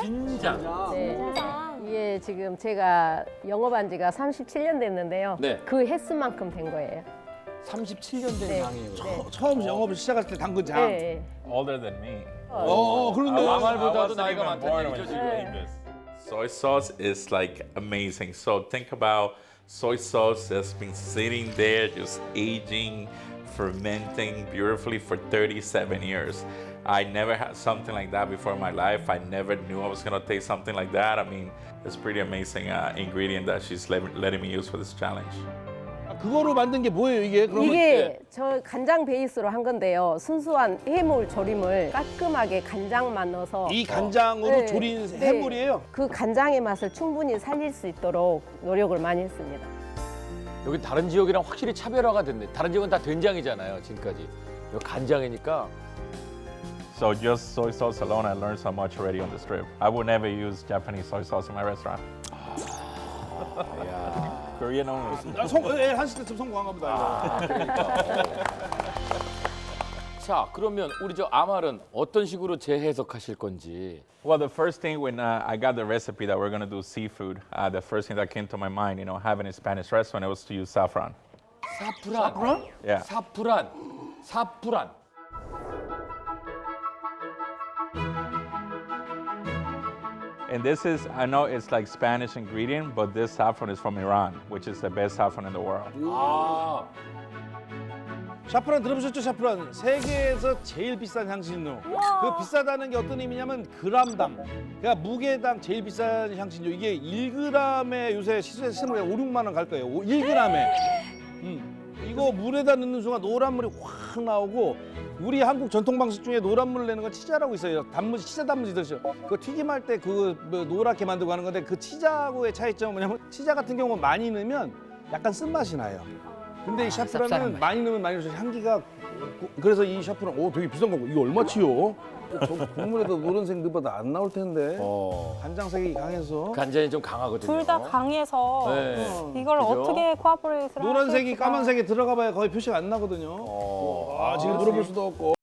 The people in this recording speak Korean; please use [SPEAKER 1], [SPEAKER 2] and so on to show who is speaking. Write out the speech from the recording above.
[SPEAKER 1] 진장.
[SPEAKER 2] 네. 이게 지금 제가 영업한 지가 37년 됐는데요.
[SPEAKER 1] 네.
[SPEAKER 2] 그 횟수만큼 된 거예요.
[SPEAKER 1] 37년 된
[SPEAKER 2] 네.
[SPEAKER 1] 장이에요.
[SPEAKER 2] 네.
[SPEAKER 3] 처음 영업을 시작할 때 담근 장.
[SPEAKER 2] 네.
[SPEAKER 4] Older than me.
[SPEAKER 3] 그런데
[SPEAKER 1] 아말보다도
[SPEAKER 4] I wasn't
[SPEAKER 1] 나이가
[SPEAKER 4] even
[SPEAKER 1] 많다는
[SPEAKER 4] born
[SPEAKER 1] 얘기죠,
[SPEAKER 4] when
[SPEAKER 1] 지금.
[SPEAKER 4] she made this. Soy sauce is like amazing. So think about soy sauce that's been sitting there, just aging, fermenting beautifully for 37 years. I never had something like that before in my life. I never knew I was gonna taste something like that. I mean, it's pretty amazing ingredient that she's letting me use for this challenge.
[SPEAKER 3] 그거로 만든 게 뭐예요 이게? 그러면
[SPEAKER 2] 이게 저 간장 베이스로 한 건데요. 순수한 해물 조림을 깔끔하게 간장만 넣어서
[SPEAKER 3] 이 간장으로
[SPEAKER 2] 네,
[SPEAKER 3] 조린
[SPEAKER 2] 네.
[SPEAKER 3] 해물이에요?
[SPEAKER 2] 그 간장의 맛을 충분히 살릴 수 있도록 노력을 많이 했습니다.
[SPEAKER 1] 여기 다른 지역이랑 확실히 차별화가 됐네. 다른 지역은 다 된장이잖아요, 지금까지. 여기 간장이니까.
[SPEAKER 4] So just soy sauce alone, I learned so much already on this trip. I would never use Japanese soy sauce in my restaurant. Korean only.
[SPEAKER 3] 한식 때좀 성공한가 보다.
[SPEAKER 1] 자, 그러면 우리 저 아말은 어떤 식으로 재해석하실 건지.
[SPEAKER 4] Well, the first thing when I got the recipe that we're gonna do seafood, the first thing that came to my mind, you know, having a Spanish restaurant, it was to use saffron.
[SPEAKER 1] 사프란.
[SPEAKER 4] Yeah.
[SPEAKER 1] 사프란.
[SPEAKER 4] And this is, I know it's like Spanish ingredient, but this saffron is from Iran, which is the best saffron in the world.
[SPEAKER 1] 아,
[SPEAKER 3] 샤프란 들어보셨죠? 샤프란 세계에서 제일 비싼 향신료. 그 비싸다는 게 어떤 의미냐면 그람당, 그러니까 무게당 제일 비싼 향신료. 이게 1g에 요새 시세에서 5, 6만 원 갈 거예요. 1g에. 이거 물에다 넣는 순간 노란물이 확 나오고, 우리 한국 전통 방식 중에 노란물을 내는 건 치자라고 있어요. 단무지, 치자 단무지 드셔. 그 튀김할 때 그 노랗게 만들고 하는 건데, 그 치자하고의 차이점은 뭐냐면 치자 같은 경우는 많이 넣으면 약간 쓴맛이 나요. 근데 이 샤프란은 많이 넣으면 많이 넣어서 향기가, 그래서 이 샤프란 되게 비싼 거고. 이거 얼마치요? 저 국물에도 노란색 넣어봐도 안 나올 텐데. 간장색이 강해서.
[SPEAKER 1] 간장이 좀 강하거든요.
[SPEAKER 5] 둘 다 강해서
[SPEAKER 1] 네.
[SPEAKER 5] 이걸
[SPEAKER 1] 그죠?
[SPEAKER 5] 어떻게 코아보레이트를
[SPEAKER 3] 노란색이
[SPEAKER 5] 하실지가.
[SPEAKER 3] 까만색이 들어가 봐야 거의 표시가 안 나거든요. 지금 물어볼 수도 없고.